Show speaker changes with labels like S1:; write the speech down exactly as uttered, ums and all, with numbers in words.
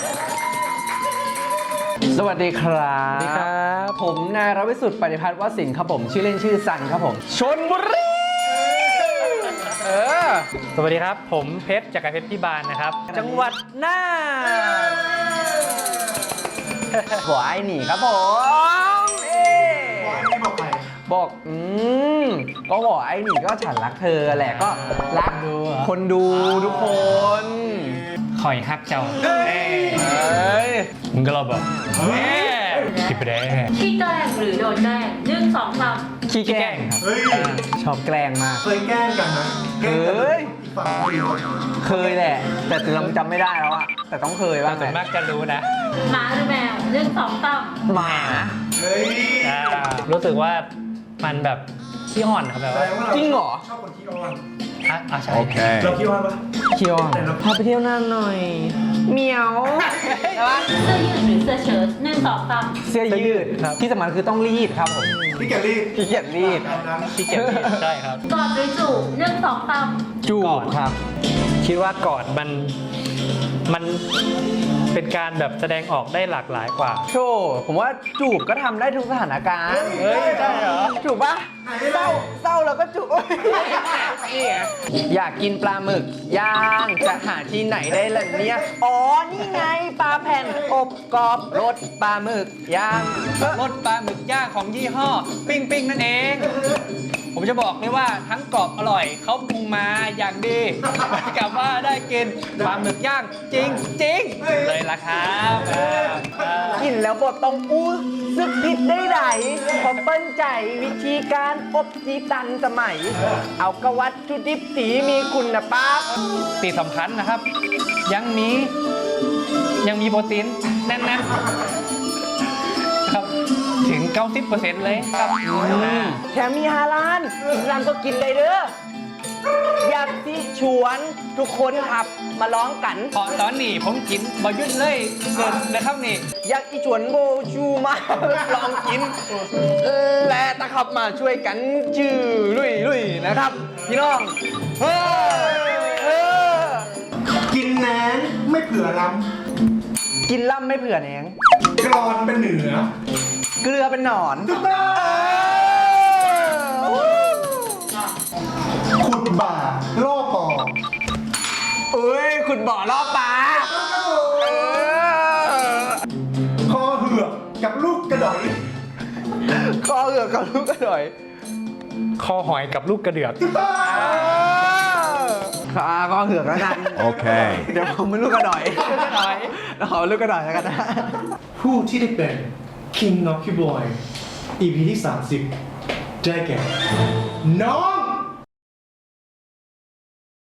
S1: สวัสดีครับ
S2: สวัสดีครับ
S1: ผมนายรวิสุทธิ์ปฏิพัฒน์วสินทร์ครับผมชื่อเล่นชื่อซันครับผมชลบุรีเออ
S2: สวัสดีครับผมเพชรจากรเพชรพิบาลนะครับจังหวัดน่าน
S1: บอกไอ้หนีครับผมเอ๊บอกใครบอกอืมก็บอกไอ้หนีก็ฉันรักเธอแหละก็รักคนดูทุกคน
S2: คอยฮักเจ้า
S1: เอ้ย
S2: มึงก็รอบอกผิดไปได้
S3: ขี้แกล้งหรือโดนแกล้งหนึ่งสองสาม
S1: ขี้แกล้งครับ
S4: เฮ้ย
S1: ชอบแกล้งมาก
S4: เคยแกล้งกันนะแกล้งกัน
S1: เฮ้ย
S4: อีกฝั่งไม่รู้
S1: เคยแหละ แต่เราจำไม่ได้แล้วอะแต่ต้องเคยบ้าง
S2: ส่วนมากจะรู้นะ
S3: หมาหรือแมวหนึ่งสองสาม
S1: หมา
S4: เฮ้ย
S2: อ่ารู้สึกว่ามันแบบขี้อ่อนครับแบบ
S4: แส
S2: ว่า
S4: ดงว่าเรา
S1: จริงเหรอ
S4: ชอบคนขี้อ้อน
S2: อ่ะอ่ะใช่
S4: เราขี้อ้อนปะ
S1: เคียวพาไปเที่ยวน่านหน่อยเหมียวใช่ปะ
S3: เสื้อยืดหรือเสื้อเชิ้ตหนึ่งสองสาม
S1: เสื้อยืดที่สำคัญคือต้องรีดครับผม
S4: พี่แกลี่
S1: ขี้เกียจรีด
S4: ตามนั้น
S2: ขี้เกียจรีดใช่ครับ
S3: กอดหรือจูบหนึ่งสองสาม
S1: จูบครับ
S2: คิดว่ากอดมันมันเป็นการแบบแสดงออกได้หลากหลายกว่า
S1: โชว์ผมว่าจูบก็ทำได้ทุกสถานการณ์
S2: เฮ้ยใช่เหรอ
S1: จูบปะเศร้าเศร้าแล้วก็จูบนี่ไงอยากกินปลาหมึกย่างจะหาที่ไหนได้ล่ะเนี่ยอ๋อนี่ไงปลาแผ่นอบกรอบรสปลาหมึกย่าง
S5: รสปลาหมึกย่างของยี่ห้อ ปิ้งปิ้งนั่นเอง ผมจะบอกเลยว่าทั้งกรอบอร่อยเขาปรุงมาอย่างดีเหมือนกับว่าได้กินปลาหมึกย่างจริงจริงๆเลยล่ะครับอ่าอ่า
S1: กินแล้วบดต้องอู้ซึกผิดได้ไหนพอเปิ้ลใจวิธีการอบจีตันสมัย เอากระวัตถุดิบสีมีคุณภาพ
S5: ตีสำคัญนะครับ ยังมียังมีโปรตีนแน่นๆครับถึง เก้าสิบเปอร์เซ็นต์ เลยครับ
S1: แถมมีฮาลานอิสลามก็กินได้เด้ออยากที่ชวนทุกคนครับมาร้องกัน
S5: พอตอนนี้ผมกินบอยุดเลยเกินนะครับนี่
S1: อยากที่ชวนโบชูมาลองกิน และตะขับมาช่วยกันจื้อลุยลุยนะครับ พี่น้องเฮ้ยเออ
S4: กินแหนงไม่เผื่อล้
S1: กินล่ำไม่เผื่อแหนง
S4: ำกรอนเป็นเหนือ
S1: เกลือเป็นหนอน
S4: ถูกต้องขุดบ่าล่อปอ
S1: เอ้ยขุดบ่อล่อปลาเออ
S4: คอเหือกกับลูกกระดอย
S1: คอเอือกกับลูกกระดอย
S2: คอหอยกับลูกกระเดือก
S4: ถูกต้อง
S1: ขาคอเหือกแล้วกัน
S6: โอเค
S1: เดี๋ยวผมเป็นลูกกระดอยลูกกระดอยเราขอลูกกระดอยแล้วกันนะ
S4: ผู้ที่ได้เป็น King of Boy อี พี ที่ สามสิบได้แก่ น้อง